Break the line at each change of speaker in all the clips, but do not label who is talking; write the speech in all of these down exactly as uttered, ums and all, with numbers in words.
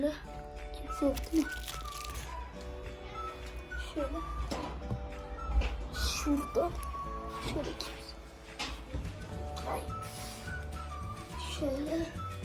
Kimse yok değil mi? Şöyle. Şurada. Şöyle kimse. Ay. Şöyle.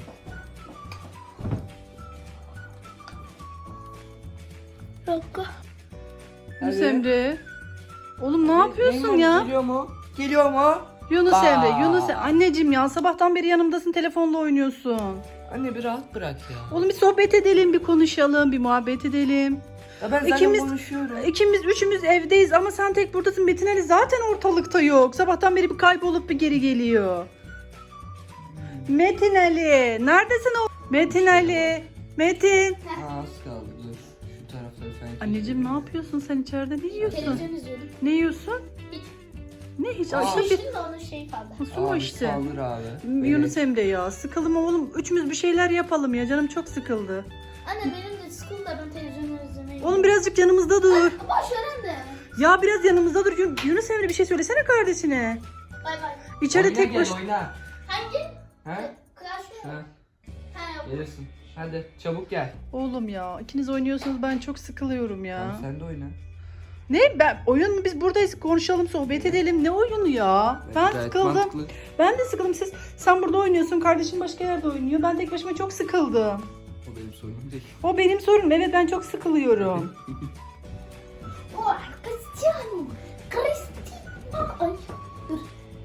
Bir dakika.
Yunus
Hadi.
Emre. Oğlum ne yapıyorsun ya?
Geliyor mu? Geliyor mu?
Yunus
Aa.
Emre, Yunus Emre. Anneciğim ya sabahtan beri yanımdasın, telefonla oynuyorsun.
Anne bir rahat bırak ya.
Oğlum bir sohbet edelim, bir konuşalım, bir muhabbet edelim.
Ya ben zaten
İkimiz-
konuşuyorum.
İkimiz, üçümüz evdeyiz ama sen tek buradasın. Metin Ali zaten ortalıkta yok. Sabahtan beri bir kaybolup bir geri geliyor. Metin Ali, neredesin o? Metin Ali, Metin.
Aa, az kaldı dur. Şu tarafları falan.
Anneciğim ne yapıyorsun sen içeride? Ne yiyorsun?
Televizyon izliyordum.
Ne yiyorsun? Ne hiç?
Aa.
Aşkım bir
Şimdi onun şeyi kaldı.
su mu
Abi
işte?
saldır abi.
Yunus Emre ya sıkıldım oğlum. Üçümüz bir şeyler yapalım ya. Canım çok sıkıldı.
Anne benim de sıkıldı, ben televizyon izlemeyi.
Oğlum birazcık yanımızda dur.
Boş ver anne.
Ya biraz yanımızda dur. Yun- Yunus Emre bir şey söylesene kardeşine.
Bay bay.
İçeride
Oyna
tek
gel,
baş...
oyna.
Hangi?
He?
Clash
Ha,
mı? He.
gelirsin. Hadi çabuk gel.
Oğlum ya ikiniz oynuyorsunuz ben çok sıkılıyorum ya.
Tamam, sen de oyna.
Ne? Ben oyun mu? Biz buradayız konuşalım sohbet edelim. Ne oyunu ya? Ben
Gayet
sıkıldım.
mantıklı.
Ben de sıkıldım. Siz sen burada oynuyorsun. Kardeşin başka yerde oynuyor. Ben tek başıma çok sıkıldım.
O benim sorunum değil.
O benim sorunum. Evet ben çok sıkılıyorum.
Oh, Cristiano. Cristiano. Ay, dur.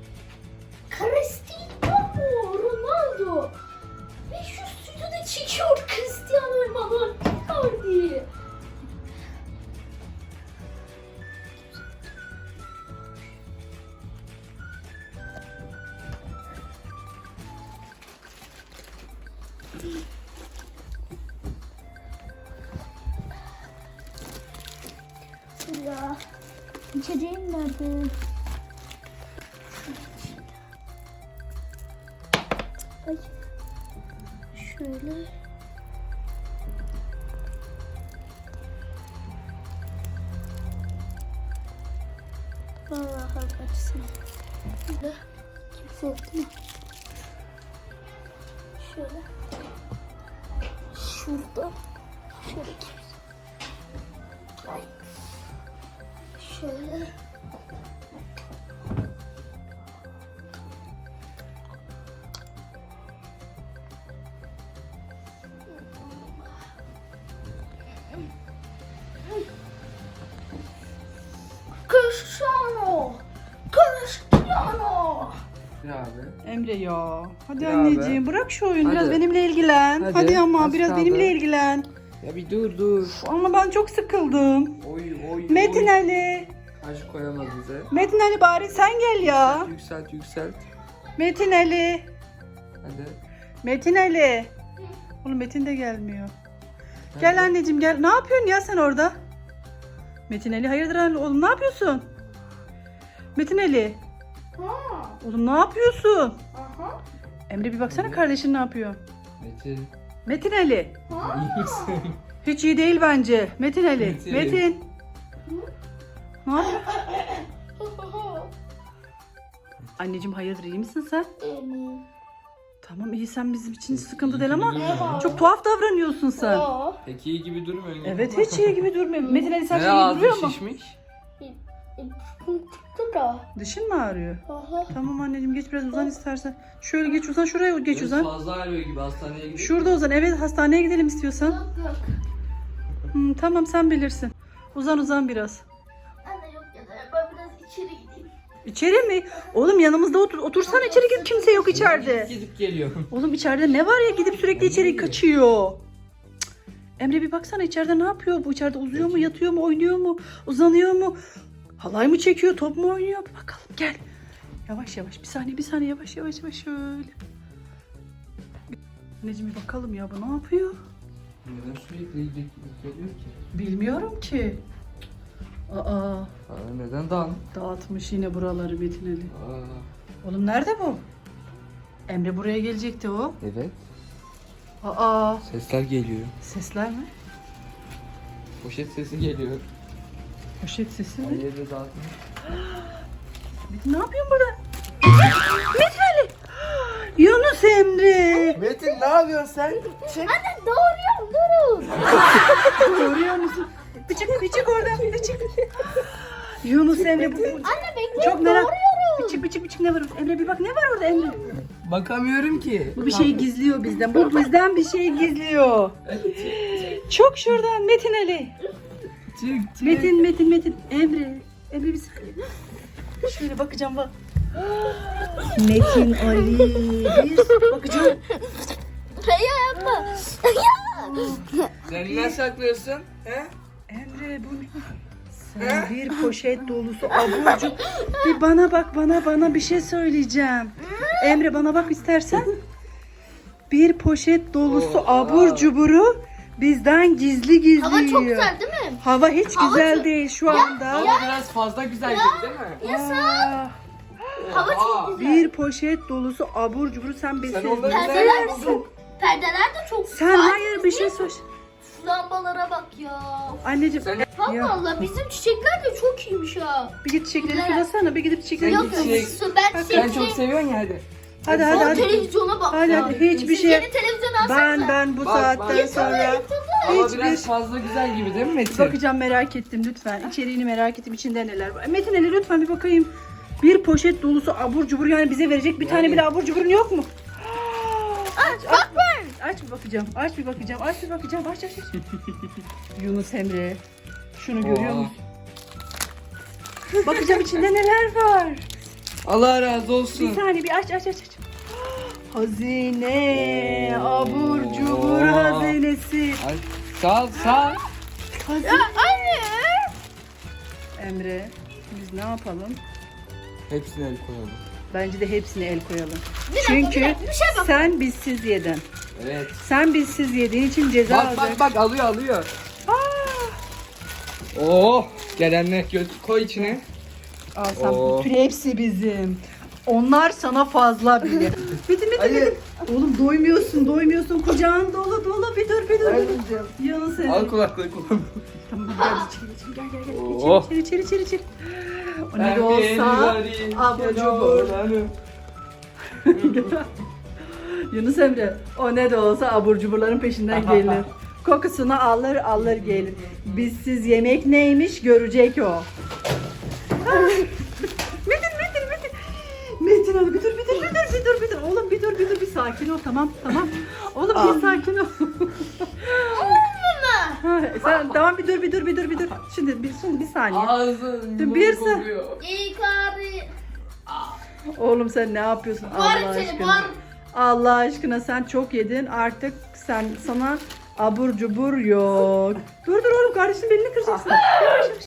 Cristiano Ronaldo. Ve şu stüdyoda çekiyor Cristiano Ronaldo. Icardi. Ya, içeceğim nerede? Ay. Şöyle. Vallahi kaçsın. Şöyle. Kimse yok değil mi? Şöyle. Şurada. Şöyle kimse. Ay. Şöyle. Cristiano. Cristiano.
Ya abi.
Emre ya. Hadi
Ya
anneciğim
be.
bırak şu oyunu. Biraz
Hadi.
benimle ilgilen. Hadi,
Hadi,
ama
az
biraz
kaldı.
benimle ilgilen.
Ya bir dur dur.
Ama ben çok sıkıldım.
Oy oy
Metin
oy.
Ali.
Taş koyamaz bize.
Metin Ali bari sen gel ya.
Yükselt yükselt.
Metin Ali.
Hadi.
Metin Ali. Oğlum Metin de gelmiyor.
Hadi.
Gel anneciğim gel. Ne yapıyorsun ya sen orada? Metin Ali hayırdır anne? Oğlum ne yapıyorsun? Metin Ali.
Ha.
Oğlum ne yapıyorsun?
Aha.
Emre bir baksana
Hadi.
kardeşin ne yapıyor?
Metin.
Metin Ali.
Ha.
İyi misin?
Hiç iyi değil bence. Metin Ali.
Metin.
Metin. Ne yapıyorsun? Anneciğim hayırdır iyi misin sen?
Benim.
Tamam iyi sen bizim için sıkıntı
İyi
değil
gibi
ama
durmuyor.
çok tuhaf davranıyorsun sen.
Aa.
Pek iyi gibi durmuyor.
Evet hiç iyi gibi durmuyor. Metin Ali sen
Ne
iyi
ağzı
duruyor mu?
şişmiş?
Çıktı da.
Dişin mi ağrıyor?
Aha.
Tamam anneciğim geç biraz uzan istersen. Şöyle geç uzan şuraya geç
Biraz
uzan.
Fazla ağrıyor gibi hastaneye gidelim.
Şurada uzan. Evet hastaneye gidelim istiyorsan.
Yok yok.
Hmm, tamam sen bilirsin. Uzan uzan biraz.
Anne yok ya da ben biraz içeri gideyim.
İçeri mi? Oğlum yanımızda otur. Otursana içeri git kimse yok içeride.
Gidip geliyor.
Oğlum içeride ne var ya gidip sürekli içeri kaçıyor. Cık. Emre bir baksana içeride ne yapıyor bu? İçeride uzuyor mu, yatıyor mu, oynuyor mu, uzanıyor mu? Halay mı çekiyor, top mu oynuyor? Bir bakalım gel. Yavaş yavaş bir saniye bir saniye yavaş yavaş yavaş şöyle. Anneciğim bir bakalım ya bu ne yapıyor?
Neden sürekli gidip geliyor ki?
Bilmiyorum ki. Aa
Aa, neden dan?
dağıtmış yine buraları Metin Ali.
Aa,
Oğlum nerede bu? Emre buraya gelecekti o.
evet.
Aa
Sesler geliyor.
sesler mi?
Poşet sesi geliyor.
Poşet sesi mi?
Her yerde dağıtmış.
Metin ne yapıyorsun burada? Metin Ali! Yunus Yunus Emre.
Metin ne yapıyorsun sen? Çek.
Anne doğuruyorum durun.
Görüyor musun? Bir çık, bir çık oradan, bir çık. Yunus Emre bu. bu-
Anne bekle
Çok merak.
doğuruyorum.
Bir çık, bir çık, bir çık ne var orada? Emre bir bak ne var orada Emre?
Bakamıyorum ki.
Bu bir şey gizliyor bizden. Bu bizden bir şey gizliyor. Çok şuradan Metin Ali.
Çık çık.
Metin, Metin, Metin. Emre. Emre bir saniye. Şöyle bakacağım bak. Metin Ali. Bir bakacağım.
Ya yapma.
Sen ne saklıyorsun? He?
Emre bu ne? Sen bir poşet dolusu abur cubur. Bir bana bak bana bana bir şey söyleyeceğim. Emre bana bak istersen. Bir poşet dolusu
Oha.
abur cuburu bizden gizli gizli
Hava çok
yiyor.
güzel değil mi?
Hava hiç
Hava
güzel
çok-
değil şu anda.
Ama biraz fazla güzel gibi değil mi?
Aa,
Hava çok güzel.
bir poşet dolusu abur cuburu sen besin.
Sen onları
Perdeler de
nereden
çok. Perdeler de çok.
Sen hayır bir şey söyle.
Lambalara bak ya.
Anneciğim
Sen-
Allah
ya,
Allah bizim çiçekler de çok iyiymiş ha.
bir git çiçekleri
Güzel.
sulasana bir gidip çiçekleri
Sen
Yok
git
yok
çiçek-
su ben
Sen
çiçekleri.
çok seviyorsun ya hadi.
Hadi
O
hadi hadi.
televizyona bak
Hadi
ya.
hadi hiçbir
Siz
şey.
yeni televizyon alsanıza.
Ben ben bu
Bak,
saatten
bak.
sonra
Ama
hiçbir
biraz fazla güzel gibi değil mi Metin?
bakacağım merak ettim lütfen. İçeriğini merak ettim içinde neler var. Metin Ali lütfen bir bakayım. Bir poşet dolusu abur cubur yani bize verecek bir tane
Yani-
bile abur cuburun yok mu? Aç, aç, aç bir bakacağım. Aç bir bakacağım. Aç bir bakacağım. Aç aç aç. Yunus Emre. Şunu görüyor
Oha.
musun? Bakacağım içinde neler var.
Allah razı
Bir
olsun.
saniye bir aç aç aç aç. Hazine,
Oo.
abur cubur hazinesi.
Ay, sağ ol sağ ol.
Hazine.
Anne.
Emre, biz ne yapalım?
Hepsine el koyalım.
Bence de hepsine el koyalım.
Bir dakika,
Çünkü
bir dakika, bir şey bak.
sen bizsiz yedin.
Evet.
Sen bizsiz yediğin için ceza
Bak
alacak.
bak bak alıyor alıyor.
Aa!
Oh gelenler göt koy içine.
Al sen
Oo.
bütün hepsi bizim. Onlar sana fazla bile. Bitti bitti
Hayır.
bitti. Oğlum doymuyorsun doymuyorsun. Kucağın dolu dolu. Bir dur bir dur.
Ben
bir dur.
yiyeceğim.
Yunus Emre.
Al kulaklığı kullan.
Tamam hadi gel içeri geçelim. Gel gel gel.
Oh.
İçeri içeri içeri içeri. O ne
Ben
de
bir
olsa
ellerim
abur
kedi
cubur.
olanım.
Yunus Emre o ne de olsa abur cuburların peşinden gelir. Kokusunu alır alır gelir. Bizsiz yemek neymiş görecek o. Metin Metin Metin. Metin abi bir dur bir dur bir dur bir dur bir dur. Oğlum bir dur bir dur bir sakin ol tamam tamam. Oğlum bir sakin ol. Ha, sen tamam bir dur bir dur bir dur bir dur. Şimdi bir şimdi bir saniye.
Ağzın
Bir
bir
sa-
kokuyor.
İyi abi.
Oğlum sen ne yapıyorsun Allah
Bağırın seni
aşkına?
bağırın.
Allah aşkına sen çok yedin artık sen sana abur cubur yok. Dur dur oğlum kardeşim belini kıracaksın. Yavaş yavaş.